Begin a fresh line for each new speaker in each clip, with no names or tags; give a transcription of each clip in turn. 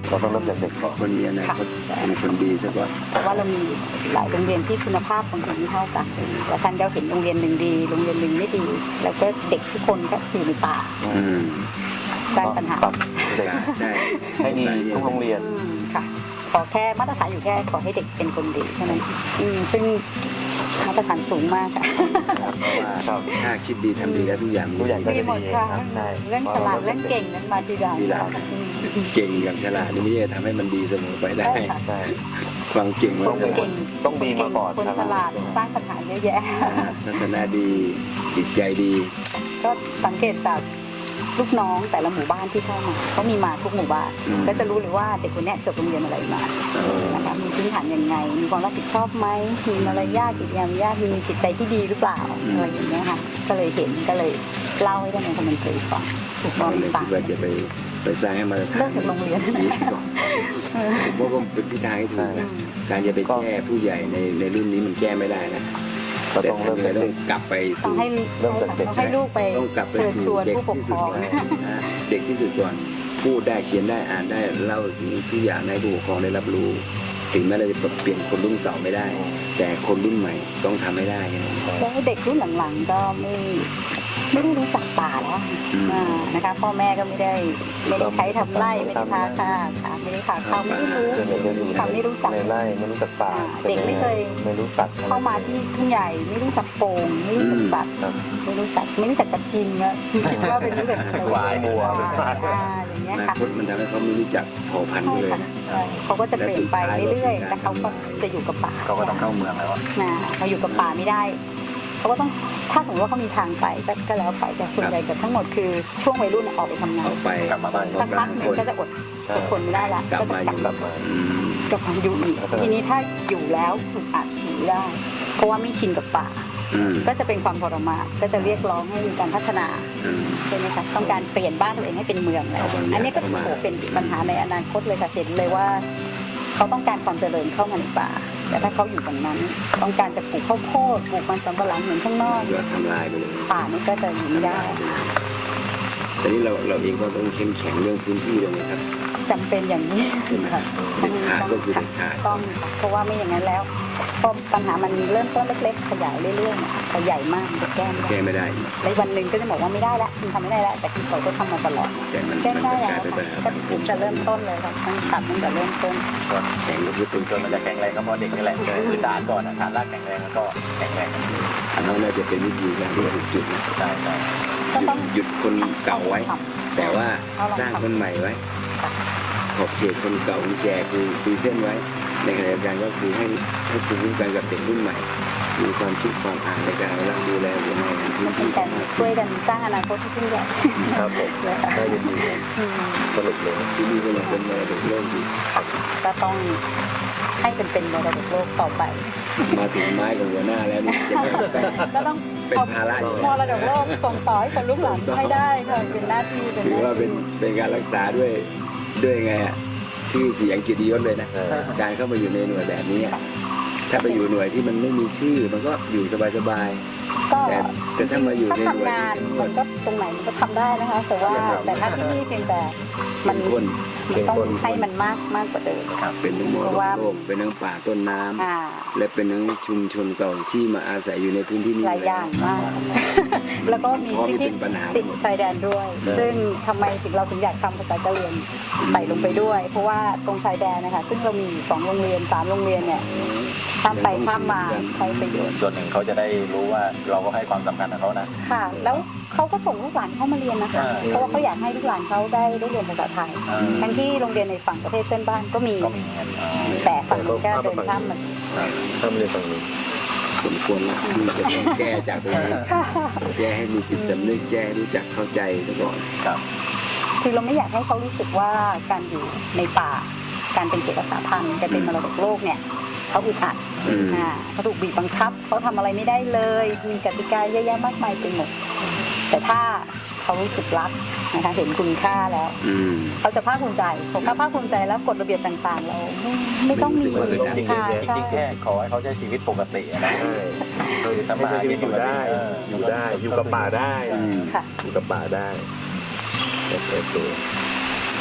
เราต้องเริ่มจากเด็กก่อน
คนมีอนาคตเป็นคนดีซะก่อน
เพราะว่าเรามีหลายโรงเรียนที่คุณภาพของเด็กไม่เท่ากันแต่ท่านเราเห็นโรงเรียนหนึ่งดีโรงเรียนหนึ่งไม่ดี แล้วก็เด็กทุกคนก็อยู่ในป่าสร้างปัญหา
ปรับเด็ก
ใช่
ให้ดีทุกโรงเรียน
ค่ะขอแค่มาตรฐานอยู่แค่ขอให้เด็กเป็นคนดีเท่านั้นซึ่งมาตรฐานสูงมากค่ะ
เพราะว่าถ้าคิดดีทำดีแล้วทุกอย่าง
ทุกอย่างก็
ดี
จะ
หมด
ดี
ค่ะ
ครับใช่
เรื่องฉลาดเรื่องเก่งนั้นมาทีหลัง
ทีหลังเก่งกับฉลาดนี่ไม่ใช่ทำให้มันดีเสมอไปได้
ใช่ค่ะ
ใช่
ความเก่งมัน
ต้องดีมาก่อน
คน
ครับ
ฉลาดสร้างปัญหาเยอะแยะ
ทัศนะดีจิตใจดี
ก็สังเกตจากลูกน้องแต่ละหมู่บ้านที่เข้ามาเขามีมาทุกหมู่บ้านก็จะรู้เลยว่าเด็กคนนี้จบโรงเรียนอะไรมานะคะมีพื้นฐานยังไงมีความรับผิดชอบไหมมีมารยาทกิริยามารยาทมีจิตใจที่ดีหรือเปล่าอะไรอย่างเงี้ยค่ะก็เลยเห็นก็เลยเล่าให้ท่านในคอมเมนต์ฟังถูกต้อง
เลย
ต่าง
คิดว่าจะไปสร้างให้มาตรฐาน
เลิกจากโรงเรียน
ดีซะก่อนผมว่าก็เป็นทิศทางที่ถูกนะการจะไปแก้ผู้ใหญ่ในรุ่นนี้มันแก้ไม่ได้นะ
ก็
แต่
ต้อง
ทำ
เริ่ม
ยังไง
จาก
ต้อ
เด็
ง
ก
กลับไป
ต้อ
สู่
งให้
เริ่มจากเด็ก
ต้องให้ลูกไป
ต้องกลับไป
เชิญ
สู่
ชวน
เด็ก
ผู้ปก
ที่
ค
สุ
ร
ด
อง
ก่อนนะเด็กที่สุดก่อนพูดได้เขียนได้อ่านได้เล่าถึงทุกอย่างให้ผู้ปกครองได้รับรู้ ถึงแม้เราจะเปลี่ยนคนรุ่นเก่าไม่ได้ แต่คนรุ่นใหม่ต้องทำให้ได้นะ
แล้วเด็กรุ่นหลังๆก็ไม่ได้รู้จักป่าแล้วนะคะพ่อแม่ก็ไม่ได้ใช้ทำไร่ไม่ได้พาค่ะไม่ได้พาเข้าไม่ได้รู้
เด็กๆอยู่
ค่ะไม่รู้จัก
ในไร่ไม่รู้จักป่า
เด็กไม่เคย
ไม่รู้สัตว์
เข้ามาที่ทุ่งใหญ่ไม่รู้จักโป่งไม่รู้จักสัตว์
ครับ
ไม่รู้จักกระชิงอะคิดว่าเป็นเรื่อง
หวายบัว
อย่างเงี้ย
อนา
ค่ะ
คตมันทำให้เขาไม่รู้จักเผ่าพันธุ์
ใช่
เลย
ค่ะเขาก็จะเปลี่ยนไปเรื่อยๆแต่เขาก็จะอยู่กับป่า
เขาก็ต้องเข้าเมืองแล้ว
เขาอยู่กับป่าไม่ได้เขาก็ต้องถ้าสมมติว่าเขามีทางไปก็แล้วไปแต่ส่วนใหญ่เกือบทั้งหมดคือช่วงวัยรุ่นออกไปทำงาน
ออกไป
กลับมาบ้าน
สักพักหนึ่งก็จะอดทนไม่ได้ละ
กลับมาอยู่
กลับมา
กลับมาอยู่อีกทีนี้ถ้าอยู่แล้วถูกอัดอยู่ไม่ได้ เพราะว่าไม่ชินกับป่า ก็จะเป็นความทรมานก็จะเรียกร้องให้มีการพัฒนาใช่ไหมคะต้องการเปลี่ยนบ้านตัวเองให้เป็นเมืองแล้วอันนี้ก็โหเป็นปัญหาในอนาคตเลยค่ะเห็นเลยว่าเขาต้องการความเจริญเข้ามาในป่าแต่ถ้าเขาอยู่ตรงนั้นต้องการจะปลูกข้าวโพดปลูกมันสำปะหลังเหมือนข้างนอก
ก็ทำลายไปเลย
ป่านี่ก็จะอยู่ไม่ได้
แต่นี้เราเองก็ต้องเข้มแข็งเรื่องพื้นที่เลยนะครับ
จำเป็นอย่างนี้ค่ะ
เด็ดขาดก็คือเด็ดขาด
ต้องค่ะเพราะว่าไม่อย่างนั้นแล้วพอปัญหามันเริ่มต้นเล็กๆขยายเรื่อยๆเนี่ยพอใหญ่มากมันจะแก้ไม่
แก้
ได้
ไม่ได้
ในวันหนึ่งก็จะบอกว่าไม่ได้ละคุณทำไม่ได้ละแต่คุณเขาก็ทำมาตลอด
แต่มัน
แก้
มัน
ได้
จะ
แล้
กลายว เป็นปัญหา
ก็
สังค
ถึ
ม
งจะเริ่มต้นเลยค่ะต้องตัดตั้งแต่เริ่มต้น
แข็งก็คือเป็น
จนมันจะแข็งแรงก็เพราะเด็กนี่แหละพื้นฐานก่อนฐานรากแข็งแรงแล้วก็แข็งแรง
อันนั้นน่าจะเป็นวิธีการที่ถูกจุดนะ
ใช่ใช่
ก็ต้อง
หยุดคนเก่าไว้
ท
แต่ว่าสร้างคนใหม่ไว้ขอบเขตคนเก่าคนแก่คือเส้นไว้ ในขณะเดียวกันก็คือให้ภูมิคุ้มกันกับเด็กรุ่นใหม่ มีความคิดความอ่านในการรับดูแลหัวหน้างาน
ำ
พื้
มัน นเป็
ที่
นการช่วยกันสร้างอนาคตที่ยิ่งใหญ่
ครับผม
นะคะ
ได้ยินดีสรุปเลย
ที่นี่ก็ยังเป็นมรดกโลกอยู่
ก็ต้องให้เป็นมรดกโลกต่อไป
มาถึงไม้กับหัวหน้าแล้วนี่จะไม่เป็น
ก็ต้อง
เป็นภาระอยู่
มรดกโลกส่งต่อให้คนรุ่นหลังให้ได้ค่ะเป็นหน้าที่
ถือว่าเป็นการรักษาด้วยไงอ่ะชื่อเสียงเกียรติยศเลยนะการเข้ามาอยู่ในหน่วยแบบนี้อะถ้าไปอยู่หน่วยที่มันไม่มีชื่อมันก็อยู่สบาย
ก็
ๆแต่ถ้ามาอยู่ในหน่วย
ทำงานมันก็ตรงไหนมันก็ทำได้นะคะแต่ว่าแต่ถ้าที่นี่เพียงแต่มัน
คน
ต้องให้มันมากกว่าเดิม
เป็นทั้งมรดกโลกเป็นทั้งป่าต้นน้ำ
อ่า
และเป็นทั้งชุมชนเก่าที่มาอาศัยอยู่ในพื้นที่นี้
หลายอย่างมาก แล้วก็มีที่ที่ติดชายแดนด้วย ซึ่งทำไมถึงเราถึงอยากทำภาษากะเหรี่ยงใส่ลงไปด้วย เพราะว่าตรงชายแดนนะคะซึ่งเรามีอยู่2โรงเรียน3โรงเรียนเนี่ยข้ามไปข้ามมาใช้ประโยชน์
ส่วนหนึ่งเขาจะได้รู้ว่าเราก็ให้ความสำคัญกับเขานะ
ค่ะ แล้วเขาก็ส่งลูกหลานเข้ามาเรียนนะคะ เพราะว่าเขาอยากให้ลูกหลานเขาได้เรียนภาษาไทย ทั้งที่โรงเรียนในฝั่งประเทศเพื่อนบ้านก็มี
ก็มีเงิน
แต่ฝั่งนู้นก็เดินข้ามมา
ถ้าไม่ได้ฟังนี้
สมควรละที่จะต้องแก้จากตรงนี้แก้ให้มีจิตสำนึกแก้ให้รู้จักเข้าใจซะก่อน
ครับ
คือเราไม่อยากให้เขารู้สึกว่าการอยู่ในป่า การเป็นเขตรักษาพันธุ์การเป็นมรดกโลกเนี่ยเขาอึดอัดเขาถูกบีบบังคับเขาทำอะไรไม่ได้เลย มีกติกาเยอะแยะมากมายไปหมดแต่ถ้าเขารู้สึกรักนะคะเห็นคุณค่าแล้วเขาจะภาคภูมิใจผมก็ภาคภูมิใจแล้วกฎระเบียบต่างๆ เราไม่ต้องมี
จริงๆแค่ขอให้เขาใช้ชีวิตปกตินะ
คือทำมาหากินอยู่ได้อยู่กับป่าได้
ค่ะ
อยู่กับป่าได้โอเค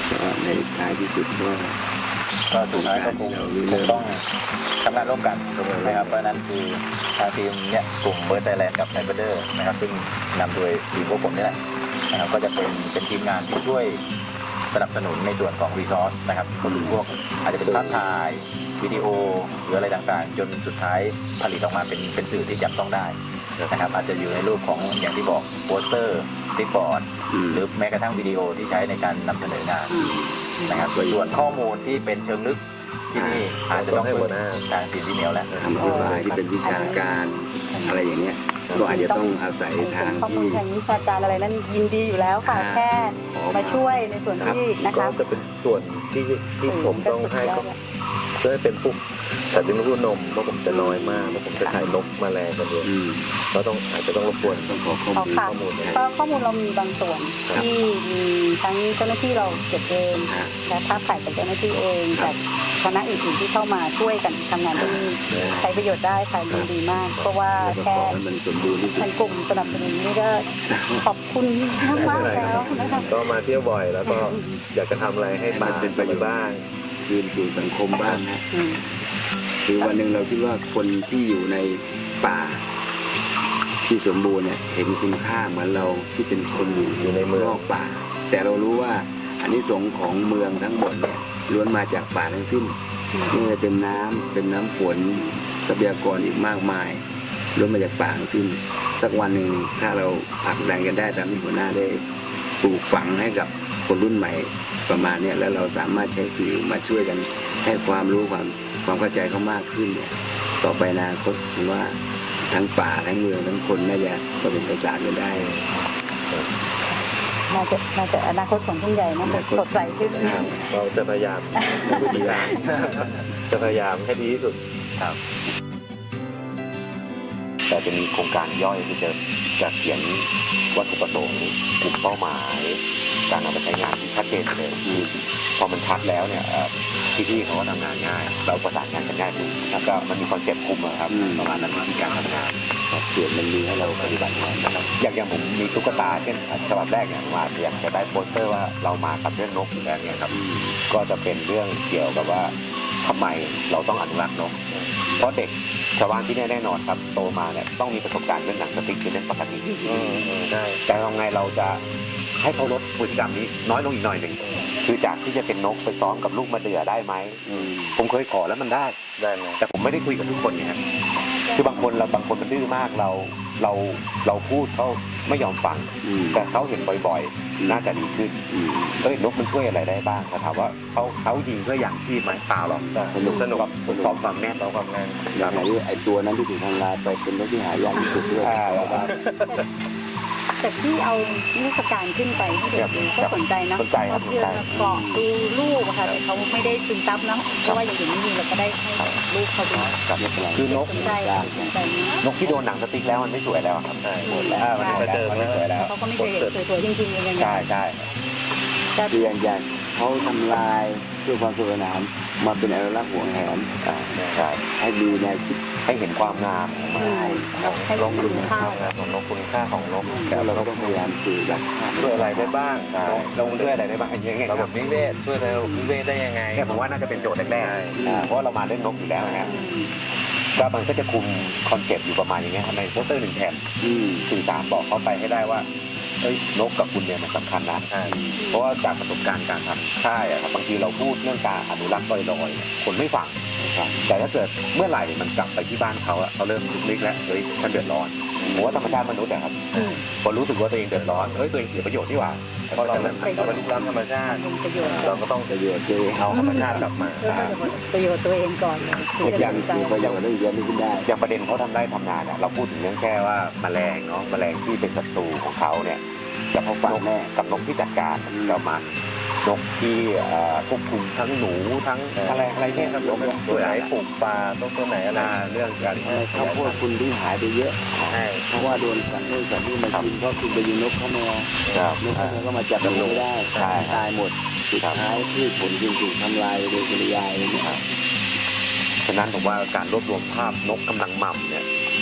ก็ในท้ายที่สุด
ก็สุดท้ายก็คงต้องทำงานร่วมกันนะครับเพราะนั้นคือทางทีมเนี่ยกลุ่มเบิร์ดไทยแลนด์กับไทยเบอร์เดอร์นะครับซึ่งนำโดยทีมพวกผมนี่แหละนะครับก็จะเป็นทีมงานที่ช่วยสนับสนุนในส่วนของรีซอสนะครับก็คือพวกอาจจะเป็นภาพถ่ายวิดีโอหรืออะไรต่างๆจนสุดท้ายผลิตออกมาเป็นสื่อที่จับต้องได้นะครับอาจจะอยู่ในรูปของอย่างที่บอกโปสเตอร์สติ๊กบอร์ดหรือแม้กระทั่งวิดีโอที่ใช้ในการนำเสนองานนะครับส่วนข้อมูลที่เป็นเชิงลึกที่นี่อาจจะต้องให้หัวหน้าทางทีมที่เหนียวแล้ว
ทำอธิบายที่เป็นวิชาการอะไรอย่างเงี้ยก็อาจจะต้องอาศัยทาง
ข้อมู
ที่
ลทางวิชาการอะไรนั้นยินดีอยู่แล้วค่ะแค่มาช่วยในส่วนที่นะคะ
ก็จะเป็นส่วนที่ผมต้องให้เขาเพื่อให้เป็นพวกสัตว์เลี้ยงลูกนมเพราะผมจะน้อยมากเพราะผมจะถ่ายนกแมลงกันเยอะก็ต้องอาจจะต้องรบกวน
ต้องขอข้อ
ค่ะ
มูล
เพราะข้อมูลเรามีบางส่วนที่มีทั้งเจ้าหน้าที่เราเก็บเองและภาพถ่ายจากเจ้าหน้าที่เองจากคณะอื่นๆที่เข้ามาช่วยกันทำงานที่นี่ใช้ประโยชน์ได้ค่ะยินดีมาก เพราะว่าแค่
ให้มันสมบูรณ์ที่สุด
ทางกลุ่มสนับสนุนนี่ก็ขอบคุณมากๆแล้วนะคะ
ก็มาเที่ยวบ่อยแล้วก็อยากจะทำอะไรให้มันเป็นประโยชน์บ้าง
คืนสู่สังคมบ้างนะ
อืม
คือวันหนึ่งเราคิดว่าคนที่อยู่ในป่าที่สมบูรณ์เนี่ยเห็นคุณค่าเหมือนเราที่เป็นคนอยู่ในเมืองนอกป่า แต่เรารู้ว่าอานิสงส์ของเมืองทั้งหมดเนี่ยล้วนมาจากป่าทั้งสิ้นไม่ว่าจะเป็นน้ำฝนทรัพยากรอีกมากมายล้วนมาจากป่าทั้งสิ้นสักวันหนึ่งถ้าเราผลักดันกันได้ตามที่หัวหน้าได้ปลูกฝังให้กับคนรุ่นใหม่ประมาณนี้แล้วเราสามารถใช้สื่อมาช่วยกันให้ความรู้ความเข้าใจเขามากขึ้นเนี่ยต่อไปอนาคตผมว่าทั้งป่าทั้งเมืองทั้งคนน่าจะประสบประสานกันได้
น่าจะอนาคตของทุ่งใหญ่น่าจะสดใสขึ้น
เราจะพยายามวิธีการจะพยายามให้ดีที่สุด
แต่จะมีโครงการย่อยที่จะเขียนวัตถุประสงค์กลุ่มเป้าหมายการนำไปใช้งานที่ชัดเจนเลยพอมันชัดแล้วเนี่ยพี่ๆเขาก็ทำงานง่ายเราประสานงานกันง่ายขึ้นแล้วก็มันมีคอนเซ็ปต์คุมอะครับประมาณนั้นวิธีการทำงาน
เขียนมันมีให้เราปฏิบัติงานนะครับ
อย่างผมมีตุ๊กตาเช่นฉบับแรกเนี่ยมาอยากจะได้โปสเตอร์ว่าเรามากับเรื่องนกอยู่แล้วเนี่ยครับก็จะเป็นเรื่องเกี่ยวกับว่าทำไมเราต้องอนุรักษ์นกเพราะเด็กชาวบ้านที่นี่แน่นอนครับโตมาเนี่ยต้องมีประสบการณ์เรื่องหนังสติ๊กเป็นเรื่องปกติ
ใช่
แต่ทำไงเราจะให้เขาลดพฤติกรรมนี้น้อยลงอีกหน่อยหนึ่งคือจากที่จะเป็นนกไปซ้อมกับลูกมะเดื่อได้ไหมผมเคยขอแล้วมันได้
ไหม
แต่ผมไม่ได้คุยกับทุกคนไงครับคือบางคนมันดื้อมากเราพูดเขาไม่ยอมฟังแต่เขาเห็นบ่อยๆน่าจะดีขึ้นนกมันช่วยอะไรได้บ้างถามว่าเขายิงเพื่ออย่างชีพไหมเปล่าหรอกสนุกกับซ้อมความแน่นซ้อมความงาน
อย่างไรไอ้ตัวนั้นที่ถูกทำลายไปเป็นนกที่หายากที่สุดด้วย
แต่ที่เอานิทรรศการขึ้นไปให้เด็กดูก็สนใจนะ
สนใจครับ
เกาะดูลูกค่ะแต่เขาไม่ได้ซึมซับนะเพราะว่าอย่างอื่นไม่มีเราก็ได้ให้ลูกเขาดู
คือนก
สนใจนะ
นกที่โดนหนังสติ๊กแล้วมันไม่สวยแล้วครับหมดแล้วมันไม่สวยแล้ว
เขาก็ไม่เคยเห็นสวยๆจริงๆยังไง
ใช่
คืออย่างเขาทำลายเพื่อความสวยงามมาเป็นอนุรักษ์ห่วงแหน
ใช่
ให้ดูแนวคิด
ให้เห็นความงามของมัน
ให้ลงคุณค่า
ของนกคุณค่าของนก
แล้วเราก็ต้องพยายามสื่อจาก
ช่วยอะไรได้บ้าง
ลงด้วยอะไรได้บ้างอย่างเงี้ย
ระบบนิเวศช่วยระบบนิเวศได้ยังไง
แค่ผมว่าน่าจะเป็นโจทย์แรกๆเพราะเรามาเรื่องนกอยู่แล้วนะก็มันก็จะคุมคอนเซ็ปต์อยู่ประมาณอย่างเงี้ยในโปสเตอร์หนึ่งแผ่นสื่อสารบอกเขาไปให้ได้ว่านกกับคุณเนี่ยมันสำคัญนะเพราะว่าจากประสบการณ์การทำค่ายครับบางทีเราพูดเรื่องการอนุรักษ์ลอยๆคนไม่ฟังแต่ถ้าเกิดเมื่อไหร่มันกลับไปที่บ้านเขาเขาเริ่มลุกๆแล้วฉันเดือดร้อนผมว่าธรรมชาติมนุษย์ครับพอรู้สึกว่าตัวเองเดือดร้อนตัวเองเสียประโยชน์ที่ว่าเพราะเราเป็นลุกล้ำธรรมชาติเราก็ต้องประโยชน์เอาธรรมชาติกลับมา
ประโยชน์ตัวเองก่อน
อย่างประโยชน์ได้เยอะขึ้นได้
อย่างประเด็นเขาทำได้ทำงานเราพูดถึงเรื่องแค่ว่าแมลงเนาะแมลงที่เป็นศัตรูของเขาเนี่ยกับเขาฟังแน่กับนกที่จัดการกับมันนกที่ควบคุมทั้งหนูทั้งอะไรเนี่ยครับ
ตัวไหนปลูกปลาตัวไหนอะไรเรื่องการ
ข้าวโพดคุณที่หายไปเยอะเพราะว่าโดนสัตว์นู่นสัตว์นี่มากินเพราะคุณไปยิงนกเข้ามานกเข้ามาก็มาจับมันไม่ได้ตายหมดสุดท้ายพืชผลจึงถูกทำลายโดยปริยายเลยนะครับ
ฉะนั้นผมว่าการรวบรวมภาพนกกำลังหม่ำเนี่ย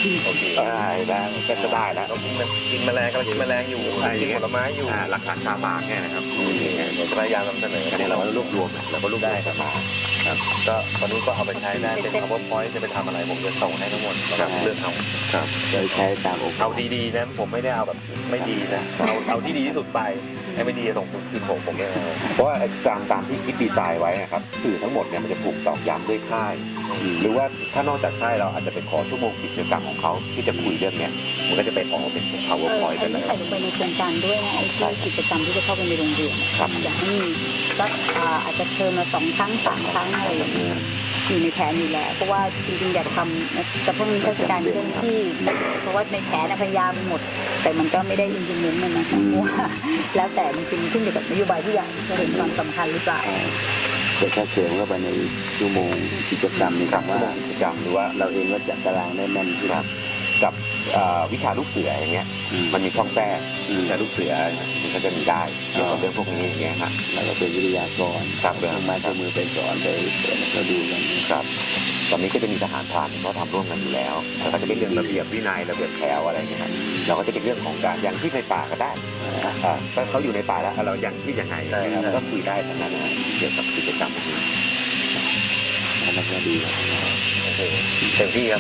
โอเค
ได้ก็จะได้แล้ว
เรากินแมลงกำลังกินแมลงอยู่กินผลไม้อยู่
หลักฐานคาปากเนี่ยนะครับ
เดี๋ยวจะพยายามนำเสนอ
อันนี้เราก็รวบรวมเราก็รวบรวมกันมา
ก็ตอนนี้ก็เอาไปใช้ได้เป็น PowerPoint จะไปทำอะไรผมจะส่งให้ทั้งหมดแล้วก็เลือกเอา
ครับ
โดยใช้ตามโอกา
เอา
ส
ดีๆนะผมไม่ได้เอาแบบไม่ดีนะเอาที่ดีที่สุดไปไอ้ไม่ดีส่งคืนผมไม่เอา
เพราะว่าตามที่คิดดีไซน์ไว้นะครับสื่อทั้งหมดเนี่ยมันจะถูกตอกย้ำด้วยค่าย หรือว่าถ้านอกจากค่ายเราอาจจะไปขอชั่วโมงกิจกรรมของเขาที่จะคุยเรื่องเนี้ยมันก็จะไปออกมาเป็น PowerPoint
อั
กัน
นนี้
นะค
ใส่
รับ
ลงไปในโครงการด้วยนะไอ้ที่กิจกรรมที่จะเข้าไปในโรงเรียน
ครับ
อยากให้มีสักอาจจะเทอมละ2 ครั้ง 3 ครั้งอะไรอย่างเงี้ยอยู่ในแผนอยู่แล้วเพราะว่าจริงๆอยากทำแต่เพิ่งมีเทศกาลเคลื่อนที่เพราะว่าในแผนพยายามหมด แต่มันก็ไม่ได้อินดิเมนต์มันนะเพราะว่าแล้วแต่จริงๆขึ้นอยู่กับนโยบายที่อยากจะเห็นความสำคัญหรือเปล่า
แต่ถ้าเสริมเข้าไปในชั่วโมงกิจกรรมนี่
กับ
ว่า
ชั่วโมงกิจกรรมหรือว่า
เราเองก็จัดตารางได้แม่นที่สุด
กับวิชาลูกเสืออย่างเงี้ยมันมีช่องแทรกวิชาลูกเสือมันก็จะมีได้เกี่ยวกับเรื่องพวกนี้อย่างเงี้ยครับ
แล้วก็เป็นวิทยากร
ครับ
เครื่องไม้เครื่องมือไปสอนไปเปิดให้เขาดูกัน
ครับตอนนี้ก็จะมีทหารพรานเขาทำร่วมกันอยู่แล้วแล้วก็จะเป็นเรื่องระเบียบวินัยระเบียบแถวอะไรอย่างเงี้ยครับเราก็จะเป็นเรื่องของการอย่างที่ในป่าก็ได้ถ้าเขาอยู่ในป่าแล้วเราอย่างที่ยังไงนะครับก็คุยได้ทั้งนั้นนะเกี่ยวกับกิจกรรมพวกนี้
อันนั้นก็ดี
โอเคเต็มที่ครับ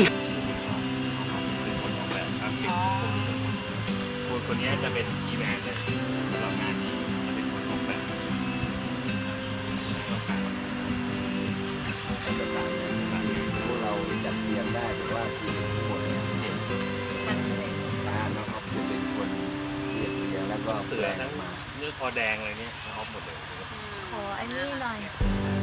คนนี้จะเป็นคีย์แมนเลยสำหรับงานนี้จะเป็นคนออกแบบ
พวกเราจัดเตรียมได้แต่ว่าคือทั้งหมดเนี่ยเราเอาจะเป็นคนเรียบเรียงแล้วก็
เสือทั้งเนื้อคอแดงอะไรเนี่ยเอาหมดเลย
ขออันนี้หน่อย
เ